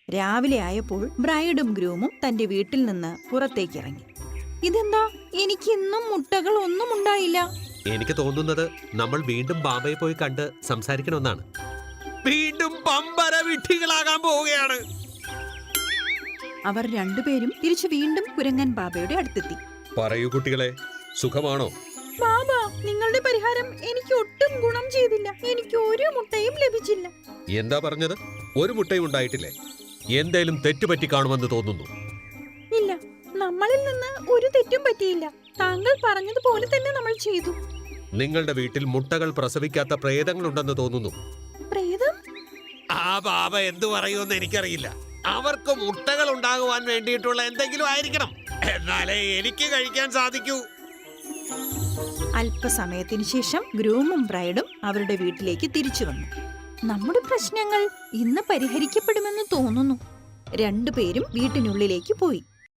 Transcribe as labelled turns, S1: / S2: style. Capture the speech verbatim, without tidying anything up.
S1: രാവിലെ ആയപ്പോൾ ബ്രൈഡും ഗ്രൂമും തന്റെ വീട്ടിൽ നിന്ന് പുറത്തേക്ക് ഇറങ്ങി. ഇതെന്താ, എനിക്ക് ഇന്നും മുട്ടകൾ ഒന്നും ഉണ്ടായില്ല.
S2: എനിക്ക് തോന്നുന്നത് നമ്മൾ വീണ്ടും ബാബയെ പോയി കണ്ട് സംസാരിക്കണമെന്നാണ്. വീണ്ടും പമ്പര വിഡ്ഢികളാകാൻ പോവുകയാണ്.
S1: അവർ രണ്ടുപേരും തിരിച്ചു വീണ്ടും കുരങ്ങൻ ബാബയുടെ അടുത്തെത്തി.
S2: പറയൂ കുട്ടികളെ, സുഖമാണോ?
S1: ബാബ, നിങ്ങളുടെ പരിഹാരം എനിക്ക് ഒട്ടും ഗുണം ചെയ്തില്ല. എനിക്ക് ഒരു മുട്ടയും ലഭിച്ചില്ല.
S2: എന്താ പറഞ്ഞത്? ഒരു മുട്ടയും ഉണ്ടായിട്ടില്ലേ? എന്തേലും തെറ്റുപറ്റി കാണുമെന്ന് തോന്നുന്നു.
S1: ഇല്ല, നമ്മളിൽ നിന്ന് ഒരു തെറ്റും പറ്റിയില്ല. താങ്കൾ പറഞ്ഞതുപോലെ തന്നെ നമ്മൾ ചെയ്തു.
S2: നിങ്ങളുടെ വീട്ടിൽ മുട്ടകൾ പ്രസവിക്കാത്ത പ്രേതങ്ങളുണ്ടെന്ന് തോന്നുന്നു.
S1: പ്രേതം?
S2: ആ ബാബ എന്തു പറയുമെന്ന് എനിക്കറിയില്ല. അവർക്ക് മുട്ടകൾ ഉണ്ടാകുവാൻ വേണ്ടിയിട്ടുള്ള എന്തെങ്കിലും ആയിരിക്കണം. എന്നാലേ എനിക്ക് കഴിക്കാൻ സാധിക്കൂ.
S1: അല്പസമയത്തിന് ശേഷം ഗ്രൂമും ബ്രൈഡും അവരുടെ വീട്ടിലേക്ക് തിരിച്ചു വന്നു. നമ്മുടെ പ്രശ്നങ്ങൾ ഇന്ന് പരിഹരിക്കപ്പെടുമെന്ന് തോന്നുന്നു. രണ്ടുപേരും വീട്ടിനുള്ളിലേക്ക് പോയി.